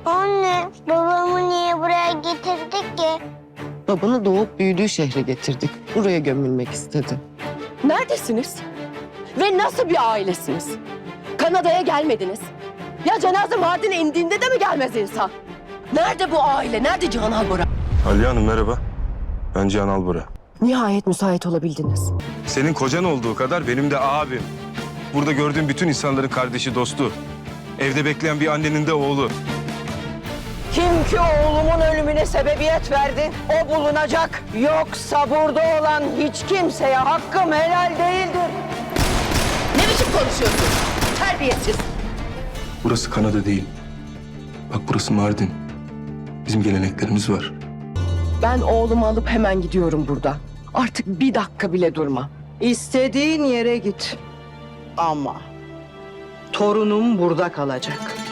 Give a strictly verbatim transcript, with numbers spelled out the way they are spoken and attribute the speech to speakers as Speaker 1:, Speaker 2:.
Speaker 1: Anne, babamı niye buraya getirdik ki?
Speaker 2: Babanı doğup büyüdüğü şehre getirdik. Buraya gömülmek istedi.
Speaker 3: Neredesiniz? Ve nasıl bir ailesiniz? Kanada'ya gelmediniz. Ya cenaze Mardin'e indiğinde de mi gelmez insan? Nerede bu aile? Nerede Cihan Albora?
Speaker 4: Aliye Hanım merhaba. Ben Cihan Albora.
Speaker 3: Nihayet müsait olabildiniz.
Speaker 4: Senin kocan olduğu kadar benim de abim. Burada gördüğüm bütün insanların kardeşi, dostu. Evde bekleyen bir annenin de oğlu.
Speaker 5: Kim ki oğlumun ölümüne sebebiyet verdi, o bulunacak. Yoksa burada olan hiç kimseye hakkım helal değildir.
Speaker 3: Ne biçim konuşuyorsun? Terbiyesiz.
Speaker 4: Burası Kanada değil. Bak burası Mardin. Bizim geleneklerimiz var.
Speaker 3: Ben oğlumu alıp hemen gidiyorum buradan. Artık bir dakika bile durma.
Speaker 5: İstediğin yere git. Ama torunum burada kalacak.